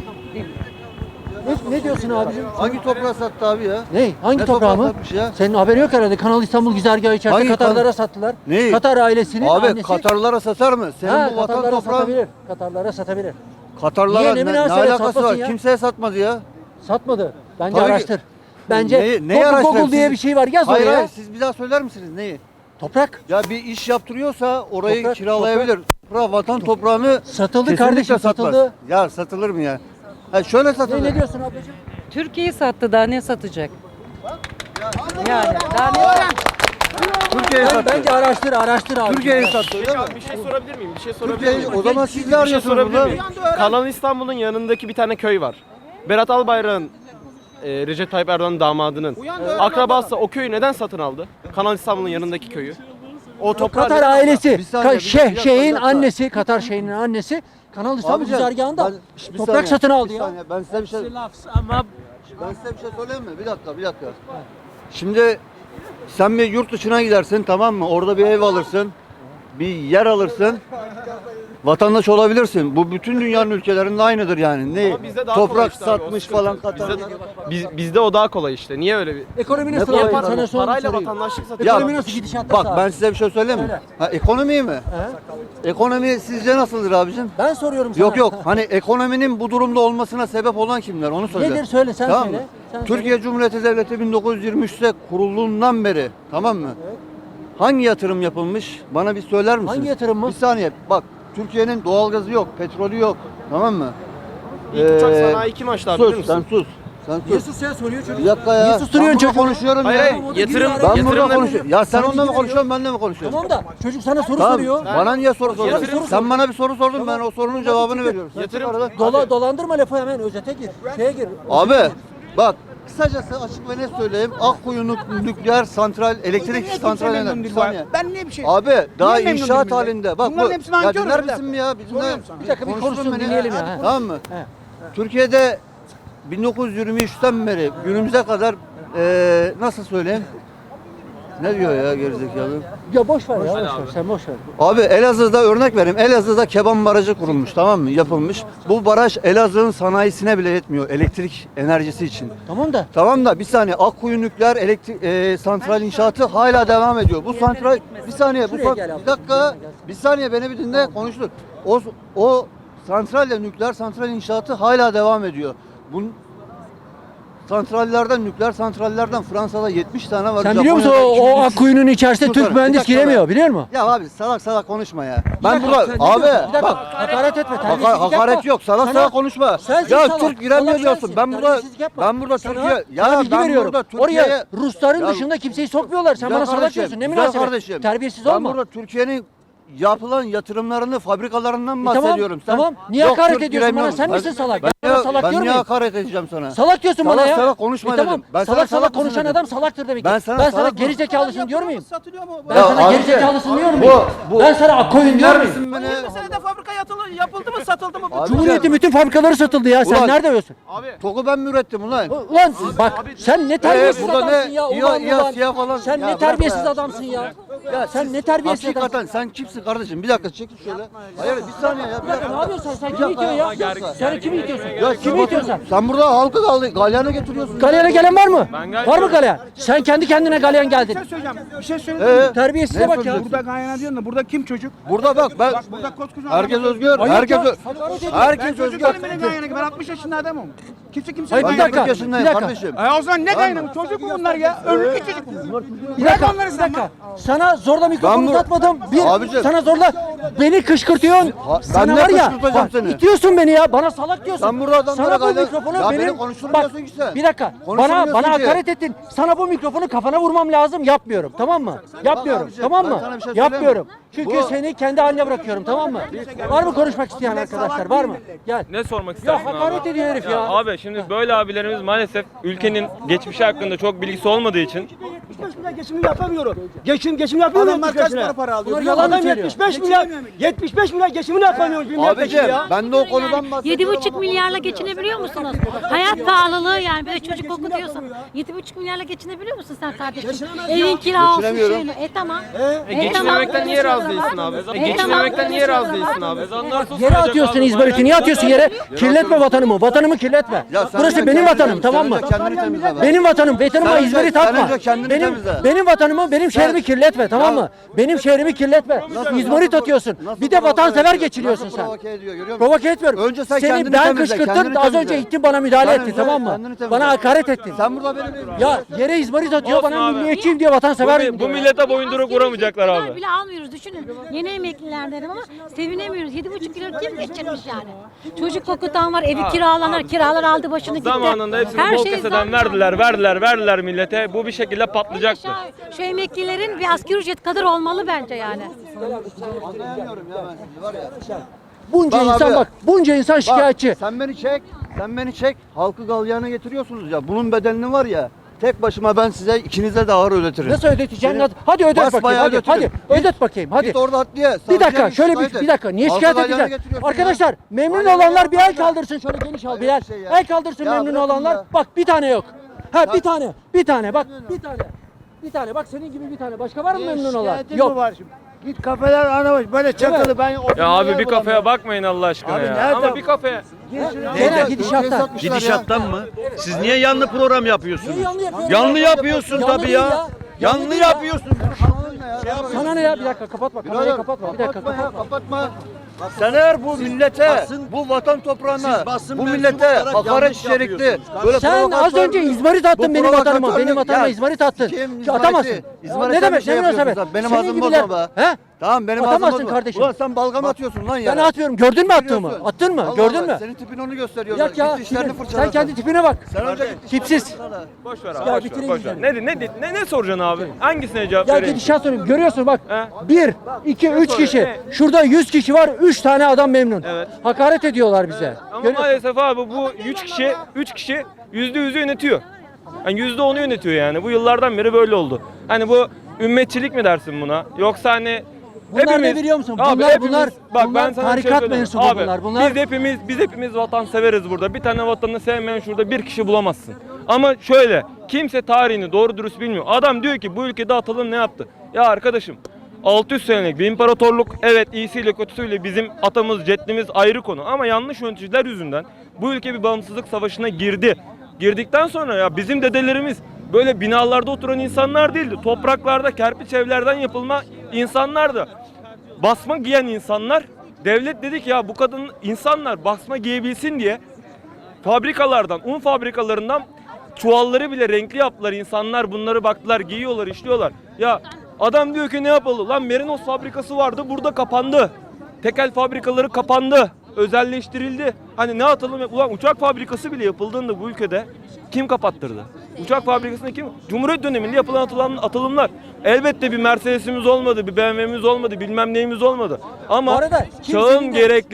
[SPEAKER 1] Ne diyorsun abicim?
[SPEAKER 7] Hangi toprağı sattı abi ya?
[SPEAKER 1] Ne? Hangi
[SPEAKER 7] Ne
[SPEAKER 1] toprağı mı?
[SPEAKER 7] toprağı satmış ya?
[SPEAKER 1] Senin haberin yok herhalde. Kanal İstanbul güzergahı içerisinde
[SPEAKER 7] Hangi
[SPEAKER 1] Katarlara sattılar.
[SPEAKER 7] Neyi?
[SPEAKER 1] Katar ailesinin
[SPEAKER 7] Abi
[SPEAKER 1] annesi.
[SPEAKER 7] Katarlara satar mı? Senin
[SPEAKER 1] Ha,
[SPEAKER 7] bu vatan
[SPEAKER 1] Katarlara
[SPEAKER 7] toprağın
[SPEAKER 1] satabilir. Katarlara satabilir.
[SPEAKER 7] Katarlara
[SPEAKER 1] Niye? Ne
[SPEAKER 7] ne
[SPEAKER 1] münasebet
[SPEAKER 7] alakası
[SPEAKER 1] satmasın
[SPEAKER 7] var?
[SPEAKER 1] ya?
[SPEAKER 7] Kimseye satmadı ya.
[SPEAKER 1] Satmadı. Bence
[SPEAKER 7] Tabii ki.
[SPEAKER 1] araştır. Bence
[SPEAKER 7] Neyi araştırayım?
[SPEAKER 1] Google diye
[SPEAKER 7] Siz-
[SPEAKER 1] bir şey var. Yaz
[SPEAKER 7] Hayır
[SPEAKER 1] oraya.
[SPEAKER 7] hayır siz bir daha söyler misiniz neyi?
[SPEAKER 1] Toprak.
[SPEAKER 7] Ya bir iş yaptırıyorsa orayı
[SPEAKER 1] Toprak,
[SPEAKER 7] kiralayabilir. Vatan toprağını
[SPEAKER 1] Satıldı
[SPEAKER 7] kesinlikle
[SPEAKER 1] kardeşim,
[SPEAKER 7] satmaz.
[SPEAKER 1] satıldı.
[SPEAKER 7] Ya satılır mı ya? Ha şöyle satılır.
[SPEAKER 1] Ne diyorsun ablacığım?
[SPEAKER 5] Türkiye'yi sattı, daha ne satacak? Yani daha ne?
[SPEAKER 7] Türkiye'yi sattı.
[SPEAKER 1] Bence araştır abi.
[SPEAKER 7] Türkiye'yi sattı öyle mi?
[SPEAKER 8] Bir şey sorabilir miyim? Bir şey sorabilir
[SPEAKER 7] Türkiye'yi
[SPEAKER 8] miyim?
[SPEAKER 7] o zaman siz ne
[SPEAKER 8] Bir şey
[SPEAKER 7] arıyorsunuz
[SPEAKER 8] sorabilir
[SPEAKER 7] burada?
[SPEAKER 8] miyim? Kanal İstanbul'un yanındaki bir tane köy var. Berat Albayrak'ın Recep Tayyip Erdoğan'ın damadının akrabası o köyü neden satın aldı? Kanal İstanbul'un yanındaki köyü. O toprağı
[SPEAKER 1] Katar
[SPEAKER 8] neden
[SPEAKER 1] ailesi,
[SPEAKER 7] Bir saniye, bir dakika,
[SPEAKER 1] şeyin
[SPEAKER 7] bir dakika.
[SPEAKER 1] annesi, Katar şeyinin annesi Kanal İstanbul
[SPEAKER 7] Abicim,
[SPEAKER 1] güzergahında
[SPEAKER 7] bir
[SPEAKER 1] toprak
[SPEAKER 7] saniye,
[SPEAKER 1] satın aldı
[SPEAKER 7] bir
[SPEAKER 1] ya.
[SPEAKER 7] saniye, ben size bir şey
[SPEAKER 6] Ama
[SPEAKER 7] söyleyeyim mi? Bir dakika. Şimdi sen bir yurt dışına gidersin, tamam mı? Orada bir ev alırsın, bir yer alırsın. Vatandaş olabilirsin. Bu bütün dünyanın ülkelerinde aynıdır yani. Ne?
[SPEAKER 8] Ama bizde daha kolay
[SPEAKER 7] Toprak
[SPEAKER 8] işte abi, o
[SPEAKER 7] satmış
[SPEAKER 8] sıkıntı.
[SPEAKER 7] falan Katar'da.
[SPEAKER 8] Bizde o daha kolay işte. Niye öyle bir
[SPEAKER 1] Ekonomi
[SPEAKER 7] Ne
[SPEAKER 1] nasıl
[SPEAKER 7] kolay
[SPEAKER 1] yapar
[SPEAKER 7] para-
[SPEAKER 1] sana son
[SPEAKER 8] parayla
[SPEAKER 1] sorayım.
[SPEAKER 8] vatandaşlık satıyor?
[SPEAKER 7] Ya,
[SPEAKER 1] Ekonomi nasıl gidişatta
[SPEAKER 7] Bak ben size bir şey söyleyeyim mi?
[SPEAKER 1] Söyle.
[SPEAKER 7] Ha, ekonomi mi? Ekonomi sizce nasıldır abicim?
[SPEAKER 1] Ben soruyorum sana.
[SPEAKER 7] Yok hani ekonominin bu durumda olmasına sebep olan kimler onu söyle.
[SPEAKER 1] Nedir söyle sen
[SPEAKER 7] Tamam
[SPEAKER 1] söyle.
[SPEAKER 7] mı?
[SPEAKER 1] Sen
[SPEAKER 7] Türkiye Cumhuriyeti Devleti 1923'te kurulduğundan beri, tamam mı? Hangi yatırım yapılmış? Bana bir söyler misin?
[SPEAKER 1] Hangi yatırım mı?
[SPEAKER 7] Bir saniye. Bak Türkiye'nin doğalgazı yok, petrolü yok. Tamam mı?
[SPEAKER 8] İlk uçak sanayi kim açtı abi bilir
[SPEAKER 7] Sus, sen
[SPEAKER 8] misin?
[SPEAKER 7] sus. Sen
[SPEAKER 1] Niye
[SPEAKER 7] sus.
[SPEAKER 1] sus ya soruyor çocuk.
[SPEAKER 7] Bir dakika ya.
[SPEAKER 1] Niye susturuyorsun
[SPEAKER 7] Ben burada
[SPEAKER 1] çocuğu?
[SPEAKER 7] konuşuyorum
[SPEAKER 8] Hayır
[SPEAKER 7] ya.
[SPEAKER 8] hayır yatırım
[SPEAKER 7] Ben burada
[SPEAKER 8] yatırımları
[SPEAKER 7] konuşuyorum. Ya sen
[SPEAKER 1] Sana
[SPEAKER 7] onunla mı
[SPEAKER 1] bilgi
[SPEAKER 7] konuşuyorsun, benimle mi konuşuyorsun?
[SPEAKER 1] Tamam da çocuk sana soru
[SPEAKER 7] Tamam.
[SPEAKER 1] soruyor.
[SPEAKER 7] Bana niye soru soruyorsun?
[SPEAKER 1] Yatırım-
[SPEAKER 7] Sen bana bir soru sordun, ben o sorunun cevabını veriyorum. Sen
[SPEAKER 8] Yatırım-
[SPEAKER 7] çık arada.
[SPEAKER 1] Dolandırma lafı hemen özete gir. Şeye gir.
[SPEAKER 7] Abi bak kısacası açık ve net söyleyeyim. Akkuyu nükleer santral, elektrik santral enerji. Bir saniye.
[SPEAKER 4] Ben ne bir şey?
[SPEAKER 7] Abi daha
[SPEAKER 4] Niye memnun
[SPEAKER 7] inşaat
[SPEAKER 4] değilim ben?
[SPEAKER 7] halinde. Bak
[SPEAKER 4] Bunların
[SPEAKER 7] bu.
[SPEAKER 4] hepsini
[SPEAKER 7] Ya
[SPEAKER 4] nankör
[SPEAKER 7] dinler
[SPEAKER 4] bir dakika.
[SPEAKER 7] misin mi ya? Bizimle
[SPEAKER 1] Bir dakika bir konuşsun dinleyelim ya.
[SPEAKER 7] Tamam mı?
[SPEAKER 1] He.
[SPEAKER 7] Türkiye'de 1923'ten beri günümüze kadar nasıl söyleyeyim? Ne diyor ya gerizekalı?
[SPEAKER 1] Ya boş ver ya boş ver. Sen boş ver.
[SPEAKER 7] Abi Elazığ'da örnek vereyim. Elazığ'da Keban Barajı kurulmuş, tamam mı? Yapılmış. Bu baraj Elazığ'ın sanayisine bile yetmiyor elektrik enerjisi için.
[SPEAKER 1] Tamam da
[SPEAKER 7] Tamam da bir saniye Akkuyu nükleer elektrik santral inşaatı hala devam ediyor. Bu santral bir saniye
[SPEAKER 1] Şuraya gel abi.
[SPEAKER 7] bir dakika bir saniye beni bir dinle konuştur. O santralle nükleer santral inşaatı hala devam ediyor. Bunun santrallerden, nükleer santrallerden Fransa'da 70 tane var.
[SPEAKER 1] sen biliyor musun
[SPEAKER 7] Japonya'da
[SPEAKER 1] o
[SPEAKER 7] 2300.
[SPEAKER 1] Akkuyu'nun içerisinde
[SPEAKER 7] Sus
[SPEAKER 1] Türk
[SPEAKER 7] sana,
[SPEAKER 1] mühendis
[SPEAKER 7] bir dakika
[SPEAKER 1] giremiyor
[SPEAKER 7] be.
[SPEAKER 1] biliyor musun?
[SPEAKER 7] Ya abi salak konuşma ya.
[SPEAKER 1] Bir
[SPEAKER 7] Ben
[SPEAKER 1] dakika,
[SPEAKER 7] burada
[SPEAKER 1] sen ne
[SPEAKER 7] abi
[SPEAKER 1] diyorsun? Bir dakika,
[SPEAKER 7] bak
[SPEAKER 1] hakaret etme.
[SPEAKER 7] Haka-
[SPEAKER 1] terbiyesizlik
[SPEAKER 7] hakaret
[SPEAKER 1] yapma.
[SPEAKER 7] yok. Salak
[SPEAKER 1] Sana-
[SPEAKER 7] salak konuşma.
[SPEAKER 1] Sensin
[SPEAKER 7] Ya
[SPEAKER 1] salak.
[SPEAKER 7] Türk giremiyor
[SPEAKER 1] Salak
[SPEAKER 7] diyorsun.
[SPEAKER 1] sensin.
[SPEAKER 7] Ben burada
[SPEAKER 1] Terbiyesizlik yapma.
[SPEAKER 7] ben burada
[SPEAKER 1] Sana-
[SPEAKER 7] Türkiye
[SPEAKER 1] sana bilgi
[SPEAKER 7] ben
[SPEAKER 1] veriyorum.
[SPEAKER 7] burada Türkiye'ye
[SPEAKER 1] Oraya Rusların
[SPEAKER 7] Ya-
[SPEAKER 1] dışında kimseyi sokmuyorlar. Sen
[SPEAKER 7] Güzel
[SPEAKER 1] bana salak
[SPEAKER 7] kardeşim,
[SPEAKER 1] diyorsun. Ne
[SPEAKER 7] güzel
[SPEAKER 1] münasebet.
[SPEAKER 7] kardeşim.
[SPEAKER 1] Terbiyesiz
[SPEAKER 7] Ben
[SPEAKER 1] olma.
[SPEAKER 7] burada Türkiye'nin yapılan yatırımlarını, fabrikalarından
[SPEAKER 1] Tamam,
[SPEAKER 7] bahsediyorum. Sen
[SPEAKER 1] tamam. Niye
[SPEAKER 7] yok,
[SPEAKER 1] hakaret
[SPEAKER 7] Türk
[SPEAKER 1] ediyorsun bana?
[SPEAKER 7] giremiyor.
[SPEAKER 1] Sen misin
[SPEAKER 7] Ben-
[SPEAKER 1] salak?
[SPEAKER 7] Ben,
[SPEAKER 1] Ben sana salak
[SPEAKER 7] ben
[SPEAKER 1] diyor
[SPEAKER 7] niye
[SPEAKER 1] muyum?
[SPEAKER 7] hakaret edeceğim sana?
[SPEAKER 1] Salak diyorsun bana ya.
[SPEAKER 7] Salak konuşma
[SPEAKER 1] Tamam.
[SPEAKER 7] dedim. Ben
[SPEAKER 1] salak
[SPEAKER 7] sana
[SPEAKER 1] konuşan
[SPEAKER 7] dedim.
[SPEAKER 1] adam salaktır demek ki.
[SPEAKER 7] Ben sana salak
[SPEAKER 1] geri zekalısın diyor muyum?
[SPEAKER 2] Satılıyor mu?
[SPEAKER 1] Ben
[SPEAKER 7] Ya
[SPEAKER 1] sana
[SPEAKER 7] abi,
[SPEAKER 1] geri zekalısın diyor muyum?
[SPEAKER 7] bu-
[SPEAKER 1] Ben sana Akkoyun diyor muyum?
[SPEAKER 7] Misin beni?
[SPEAKER 2] 20 senede fabrika yapıldı mı satıldı mı?
[SPEAKER 7] Abi-
[SPEAKER 1] Cumhuriyet'in bütün fabrikaları satıldı ya. Sen
[SPEAKER 7] Ulan-
[SPEAKER 1] nerede diyorsun?
[SPEAKER 7] Toku ben mi ürettim ulan?
[SPEAKER 1] Ulan bak sen ne terbiyesiz
[SPEAKER 7] burada ne?
[SPEAKER 1] adamsın ya.
[SPEAKER 7] İya- İya-
[SPEAKER 1] Ulan.
[SPEAKER 7] siyah falan.
[SPEAKER 1] Sen
[SPEAKER 7] Ya
[SPEAKER 1] ne
[SPEAKER 7] bırak
[SPEAKER 1] terbiyesiz
[SPEAKER 7] ya.
[SPEAKER 1] adamsın ya.
[SPEAKER 7] Ya
[SPEAKER 1] Sen
[SPEAKER 7] siz
[SPEAKER 1] ne terbiyesiz
[SPEAKER 7] hakikaten
[SPEAKER 1] adamsın.
[SPEAKER 7] sen kimsin kardeşim? Bir dakika çekil şöyle. Hayır bir saniye ya.
[SPEAKER 1] Bir dakika ne yapıyorsun sen? Kimi itiyorsun ya? Sen kimi itiyorsun?
[SPEAKER 7] Ya
[SPEAKER 1] Kimi itiyorsun?
[SPEAKER 7] Sen burada halkı galyana getiriyorsun.
[SPEAKER 1] Galyana gelen var mı? Var mı galyan? Sen kendi kendine galyan geldin.
[SPEAKER 4] Bir şey söyleyeyim.
[SPEAKER 1] Terbiyesize
[SPEAKER 7] Ne
[SPEAKER 1] bak ya.
[SPEAKER 7] söylüyorsun?
[SPEAKER 4] Burada gayrına diyorsun da burada kim çocuk?
[SPEAKER 7] Burada bak ben
[SPEAKER 4] Burada koskoca
[SPEAKER 7] herkes
[SPEAKER 4] adam-
[SPEAKER 7] özgür.
[SPEAKER 1] Hayır
[SPEAKER 7] Herkes
[SPEAKER 1] ya,
[SPEAKER 7] herkes
[SPEAKER 4] Çocuk
[SPEAKER 7] özgür.
[SPEAKER 4] benim benim gayrına. Ben 60 yaşında adamım. Kimse kimse
[SPEAKER 1] Hayır, bir
[SPEAKER 7] Ben
[SPEAKER 1] dakika,
[SPEAKER 7] 40 yaşındayım
[SPEAKER 1] bir dakika.
[SPEAKER 7] kardeşim.
[SPEAKER 4] O zaman ne gayrına? Çocuk mu bunlar ya? Ömrü küçücük bunlar.
[SPEAKER 1] Bir dakika,
[SPEAKER 4] onları
[SPEAKER 1] bir
[SPEAKER 4] sen
[SPEAKER 1] dakika. Sana zorla mikrofonu
[SPEAKER 7] Ben bu-
[SPEAKER 1] uzatmadım. Bir,
[SPEAKER 7] Abicim.
[SPEAKER 1] sana zorla beni kışkırtıyorsun.
[SPEAKER 7] Ben
[SPEAKER 1] Sana
[SPEAKER 7] ne
[SPEAKER 1] var ya,
[SPEAKER 7] kışkırtacağım
[SPEAKER 1] bak,
[SPEAKER 7] seni?
[SPEAKER 1] itiyorsun beni ya. Bana salak diyorsun.
[SPEAKER 7] Sen burada adamlara
[SPEAKER 1] sana bu
[SPEAKER 7] galyana-
[SPEAKER 1] mikrofonu
[SPEAKER 7] Ya beni
[SPEAKER 1] benim...
[SPEAKER 7] konuşturmuyorsun ki sen.
[SPEAKER 1] Bir dakika.
[SPEAKER 7] Konuşturmuyorsun
[SPEAKER 1] Bana
[SPEAKER 7] ki.
[SPEAKER 1] hakaret ettin. Sana bu mikrofonu kafana vurmam lazım. Yapmıyorum. Tamam mı? Yapmıyorum.
[SPEAKER 7] abicim,
[SPEAKER 1] Tamam
[SPEAKER 7] ben
[SPEAKER 1] mı?
[SPEAKER 7] sana bir şey söyleyeyim mi?
[SPEAKER 1] Yapmıyorum. Çünkü
[SPEAKER 7] Bu-
[SPEAKER 1] seni kendi haline bırakıyorum. Tamam mı? Var mı konuşmak isteyen arkadaşlar? Var mı? Gel.
[SPEAKER 9] Ne sormak istersin
[SPEAKER 1] Ya hakaret ediyor herif ya.
[SPEAKER 9] Abi şimdi böyle abilerimiz maalesef ülkenin geçmişi hakkında çok bilgisi olmadığı için
[SPEAKER 10] 75 milyar geçimini yapamıyorum. Geçim yapamıyorum.
[SPEAKER 4] Adamlar kaç para alıyor?
[SPEAKER 1] Bunlar yalan mı
[SPEAKER 10] Adam
[SPEAKER 1] söylüyor?
[SPEAKER 10] 75 milyar geçimini yapamıyor. Bir milletvekili
[SPEAKER 7] Abicim
[SPEAKER 10] ya.
[SPEAKER 7] ben de o konudan bahsediyorum.
[SPEAKER 11] 7,5 milyarla geçinebiliyor musunuz? Hayat pahalılığı yani böyle çocuk okutuyorsan 7,5 milyarla geçinebiliyor musun sen kardeşim? Evin kira olsun
[SPEAKER 7] Geçinemiyorum.
[SPEAKER 11] şeyle. Tamam.
[SPEAKER 8] Geçinememekten niye razı değilsin abi? Geçinememekten niye razı değilsin abi?
[SPEAKER 1] Yere atıyorsun izmariti. Niye atıyorsun yere? Kirletme vatanımı. Vatanımı kirletme.
[SPEAKER 7] Ya sen
[SPEAKER 1] Burası
[SPEAKER 7] önce
[SPEAKER 1] benim
[SPEAKER 7] kendini-
[SPEAKER 1] vatanım, tamam mı?
[SPEAKER 7] sen önce kendini temizle be.
[SPEAKER 1] Vatanıma
[SPEAKER 7] Sen önce-
[SPEAKER 1] izmarit
[SPEAKER 7] sen
[SPEAKER 1] atma.
[SPEAKER 7] önce kendini
[SPEAKER 1] Benim
[SPEAKER 7] ülkemize.
[SPEAKER 1] benim vatanımı, benim şehrimi kirletme, tamam mı? Benim şehrimi kirletme. İzmarit atıyorsun. Bir de vatansever geçiriyorsun sen.
[SPEAKER 7] Provoke ediyor, görüyor musun?
[SPEAKER 1] Provoke etmiyorum.
[SPEAKER 7] Önce sen
[SPEAKER 1] Seni
[SPEAKER 7] kendini
[SPEAKER 1] ben
[SPEAKER 7] temizle,
[SPEAKER 1] kışkırttım
[SPEAKER 7] kendini
[SPEAKER 1] da az
[SPEAKER 7] temizle.
[SPEAKER 1] önce ittin bana müdahale
[SPEAKER 7] Kendini
[SPEAKER 1] ettin, tamam mı?
[SPEAKER 7] kendini temizle.
[SPEAKER 1] Bana hakaret ettin.
[SPEAKER 7] Sen burada benim
[SPEAKER 1] Ya yere izmarit atıyor,
[SPEAKER 9] Olsun
[SPEAKER 1] bana
[SPEAKER 9] abi.
[SPEAKER 1] milliyetçiyim diye vatansever.
[SPEAKER 9] Bu millete boyunduruk vuramayacaklar
[SPEAKER 11] Asgari
[SPEAKER 9] abi.
[SPEAKER 11] ücret bile almıyoruz düşünün. Yeni emekliler dedim ama sevinemiyoruz. 7,5 kilo kim geçirmiş yani? Çocuk okutan var, evi kiralanır, kiralar aldı başını gitti.
[SPEAKER 9] Zamanında hepsini
[SPEAKER 11] Her
[SPEAKER 9] bol
[SPEAKER 11] şey
[SPEAKER 9] keseden
[SPEAKER 11] zam
[SPEAKER 9] verdiler millete. Bu bir şekilde patlayacaktı.
[SPEAKER 11] Şu emeklilerin bir asgari ücret kadar olmalı bence yani.
[SPEAKER 7] Anlayamıyorum ya ben sizi var ya.
[SPEAKER 1] Bunca
[SPEAKER 7] Bak
[SPEAKER 1] insan
[SPEAKER 7] abi,
[SPEAKER 1] bak, bunca insan şikayetçi.
[SPEAKER 7] Bak, sen beni çek. Halkı galyana getiriyorsunuz ya. Bunun bedelini var ya. Tek başıma ben size ikinize de ağır ödetirim.
[SPEAKER 1] Nasıl ödeteceksin?
[SPEAKER 7] Seni
[SPEAKER 1] Hadi ödet bakayım.
[SPEAKER 7] basbayağı
[SPEAKER 1] Hadi,
[SPEAKER 7] götürürüm.
[SPEAKER 1] ödet bakayım. Hadi.
[SPEAKER 7] Git orada adliye.
[SPEAKER 1] Bir dakika,
[SPEAKER 7] savcıya
[SPEAKER 1] şöyle
[SPEAKER 7] şikayet
[SPEAKER 1] bir
[SPEAKER 7] et.
[SPEAKER 1] dakika. Niye
[SPEAKER 7] Halkı
[SPEAKER 1] şikayet
[SPEAKER 7] galyana
[SPEAKER 1] edeceksin?
[SPEAKER 7] getiriyorsun
[SPEAKER 1] Arkadaşlar,
[SPEAKER 7] ya.
[SPEAKER 1] memnun
[SPEAKER 7] Galyana
[SPEAKER 1] olanlar bir el
[SPEAKER 7] getiriyorsun.
[SPEAKER 1] kaldırsın. Şöyle geniş al
[SPEAKER 7] Hayır,
[SPEAKER 1] Bilal.
[SPEAKER 7] bir şey ya.
[SPEAKER 1] El kaldırsın
[SPEAKER 7] Ya
[SPEAKER 1] memnun
[SPEAKER 7] bırakın
[SPEAKER 1] olanlar.
[SPEAKER 7] ya.
[SPEAKER 1] Bak bir tane yok. Ha bir tane. Bir tane bak. Bir tane. Bir tane. Bak senin gibi bir tane. Başka var mı memnun olan? Yok.
[SPEAKER 10] Git kafeler anamış böyle çakalı ben
[SPEAKER 9] Ya abi bir kafeye bakmayın Allah aşkına
[SPEAKER 10] Abi
[SPEAKER 9] ya.
[SPEAKER 10] nerede?
[SPEAKER 9] Ama bir kafeye.
[SPEAKER 1] Genel gidişattan.
[SPEAKER 7] Gidişattan
[SPEAKER 12] mı? Siz niye yanlı program yapıyorsunuz?
[SPEAKER 1] Niye yanlı yapıyorsun?
[SPEAKER 12] Yanlı yapıyorsun
[SPEAKER 1] Yanlı
[SPEAKER 12] tabii
[SPEAKER 1] değil
[SPEAKER 12] ya. Yanlı
[SPEAKER 1] değil ya.
[SPEAKER 12] yapıyorsun.
[SPEAKER 1] Sana ne ya? Bir dakika kapatma. Kamerayı kapatma. Bir dakika kapatma.
[SPEAKER 7] Kapatma. Sen eğer bu millete, bu vatan toprağına,
[SPEAKER 12] siz basın
[SPEAKER 7] bu
[SPEAKER 12] mensubu
[SPEAKER 7] millete
[SPEAKER 12] olarak
[SPEAKER 7] hakaret
[SPEAKER 12] yanlış
[SPEAKER 7] içerikli,
[SPEAKER 12] yapıyorsunuz.
[SPEAKER 7] böyle
[SPEAKER 1] Sen az önce izmarit attın
[SPEAKER 7] Bu
[SPEAKER 1] benim vatanıma.
[SPEAKER 7] provokatörlük-
[SPEAKER 1] Benim vatanıma
[SPEAKER 7] Ya,
[SPEAKER 1] izmarit attın.
[SPEAKER 7] sikeyim
[SPEAKER 1] Şu
[SPEAKER 7] izmariti.
[SPEAKER 1] atamazsın.
[SPEAKER 7] İzmaritten
[SPEAKER 1] Ne demek?
[SPEAKER 7] bir şey
[SPEAKER 1] Ne münasebet?
[SPEAKER 7] yapıyorsun sen. Benim
[SPEAKER 1] Senin
[SPEAKER 7] ağzımı
[SPEAKER 1] gibiler-
[SPEAKER 7] bozma be.
[SPEAKER 1] He?
[SPEAKER 7] Tamam benim
[SPEAKER 1] Atamazsın
[SPEAKER 7] ağzımı bozma.
[SPEAKER 1] kardeşim.
[SPEAKER 7] Ulan sen balgam atıyorsun lan ya.
[SPEAKER 1] Ben atmıyorum. Gördün mü attığımı? Attın mı? Gördün mü?
[SPEAKER 7] Senin tipin onu gösteriyorlar.
[SPEAKER 1] Yak ya.
[SPEAKER 7] Git dişlerini
[SPEAKER 1] tipin.
[SPEAKER 7] fırçala
[SPEAKER 1] Sen kendi tipine bak.
[SPEAKER 7] Sen önce git dişlerini
[SPEAKER 1] Tipsiz.
[SPEAKER 7] fırçala.
[SPEAKER 9] Boş ver abi.
[SPEAKER 1] Ya
[SPEAKER 9] boş ver,
[SPEAKER 1] bitireyim
[SPEAKER 9] boş ver.
[SPEAKER 1] güzel.
[SPEAKER 9] Ne soracaksın abi? Hangisine cevap
[SPEAKER 1] Ya
[SPEAKER 9] vereyim?
[SPEAKER 1] gidişat soruyorum. Görüyorsun bak.
[SPEAKER 9] He?
[SPEAKER 1] 1, 2, 3 kişi.
[SPEAKER 9] Ne?
[SPEAKER 1] Şurada 100 kişi var. 3 tane adam memnun.
[SPEAKER 9] Evet.
[SPEAKER 1] Hakaret ediyorlar bize.
[SPEAKER 9] Ama maalesef abi bu 3 kişi %100'ü yönetiyor. Yani %10'u yönetiyor yani. Bu yıllardan beri böyle oldu. Hani bu ümmetçilik mi dersin buna? Yoksa hani
[SPEAKER 1] Bunlar ne biliyor musun?
[SPEAKER 9] Abi
[SPEAKER 1] Bunlar-
[SPEAKER 9] hepimiz-
[SPEAKER 1] bunlar-
[SPEAKER 9] bak
[SPEAKER 1] bunlar
[SPEAKER 9] ben sana bir
[SPEAKER 1] tarikat
[SPEAKER 9] söyleyeyim.
[SPEAKER 1] mensubu
[SPEAKER 9] Abi,
[SPEAKER 1] bunlar. Bunlar-
[SPEAKER 9] biz hepimiz vatan severiz burada. Bir tane vatanını sevmeyen şurada bir kişi bulamazsın. Ama şöyle kimse tarihini doğru dürüst bilmiyor. Adam diyor ki bu ülkede atalım ne yaptı? Ya arkadaşım 600 senelik bir imparatorluk, evet iyisiyle kötüsüyle bizim atamız, ceddimiz ayrı konu ama yanlış yöneticiler yüzünden bu ülke bir bağımsızlık savaşına girdi. Girdikten sonra ya bizim dedelerimiz böyle binalarda oturan insanlar değildi. Topraklarda, kerpiç evlerden yapılma insanlardı. Basma giyen insanlar, devlet dedi ki ya bu kadın insanlar basma giyebilsin diye fabrikalardan, un fabrikalarından çuvalları bile renkli yaptılar. İnsanlar bunları baktılar, giyiyorlar, işliyorlar. Ya adam diyor ki ne yapalım? Lan Merinos fabrikası vardı, burada kapandı. Tekel fabrikaları kapandı, özelleştirildi. Hani ne atalım? Ulan uçak fabrikası bile yapıldığında bu ülkede kim kapattırdı? Uçak fabrikasını kim? Cumhuriyet döneminde yapılan atılımlar. Elbette bir Mercedes'imiz olmadı, bir BMW'miz olmadı, bilmem neyimiz olmadı. Ama
[SPEAKER 1] Bu arada
[SPEAKER 9] çağın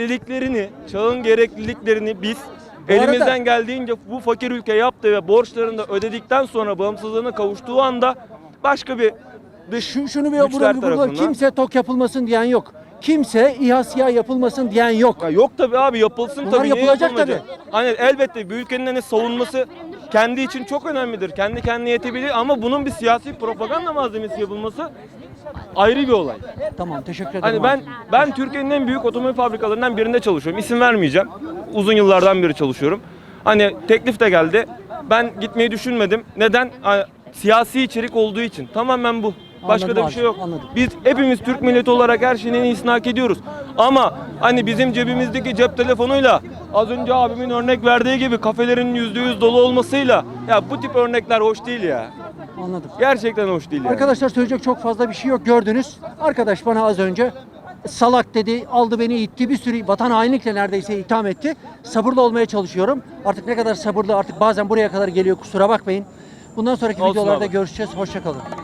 [SPEAKER 9] gerekliliklerini biz elimizden
[SPEAKER 1] arada-
[SPEAKER 9] geldiğince bu fakir ülke yaptı ve borçlarını da ödedikten sonra bağımsızlığına kavuştuğu anda başka bir dış
[SPEAKER 1] Şunu bir
[SPEAKER 9] güçler
[SPEAKER 1] vurun.
[SPEAKER 9] tarafından.
[SPEAKER 1] Kimse tok yapılmasın diyen yok. Kimse İHA SİHA yapılmasın diyen yok.
[SPEAKER 9] Ya yok tabii abi yapılsın
[SPEAKER 1] Bunlar
[SPEAKER 9] tabii. Niye
[SPEAKER 1] yapılacak
[SPEAKER 9] yapılmayacak? Hani elbette bir ülkenin hani savunması kendi için çok önemlidir. Kendi kendine yetebilir ama bunun bir siyasi propaganda malzemesi yapılması ayrı bir olay.
[SPEAKER 1] Tamam, teşekkür ederim.
[SPEAKER 9] Hani ben Türkiye'nin en büyük otomobil fabrikalarından birinde çalışıyorum. İsim vermeyeceğim. Uzun yıllardan beri çalışıyorum. Hani teklif de geldi. Ben gitmeyi düşünmedim. Neden? Hani siyasi içerik olduğu için. Tamamen bu. Başka
[SPEAKER 1] Anladım
[SPEAKER 9] da bir şey yok.
[SPEAKER 1] abi, anladım.
[SPEAKER 9] Biz hepimiz Türk milleti olarak her şeyin en iyisini hak ediyoruz. Ama hani bizim cebimizdeki cep telefonuyla az önce abimin örnek verdiği gibi kafelerin %100 dolu olmasıyla ya bu tip örnekler hoş değil ya.
[SPEAKER 1] Anladım.
[SPEAKER 9] Gerçekten hoş değil yani.
[SPEAKER 1] Arkadaşlar söyleyecek çok fazla bir şey yok, gördünüz. Arkadaş bana az önce salak dedi, aldı beni itti, bir sürü vatan hainlikle neredeyse itham etti. Sabırlı olmaya çalışıyorum. Artık ne kadar sabırlı, artık bazen buraya kadar geliyor, kusura bakmayın. Bundan sonraki
[SPEAKER 9] Olsun
[SPEAKER 1] videolarda
[SPEAKER 9] abi.
[SPEAKER 1] görüşeceğiz. Hoşça kalın.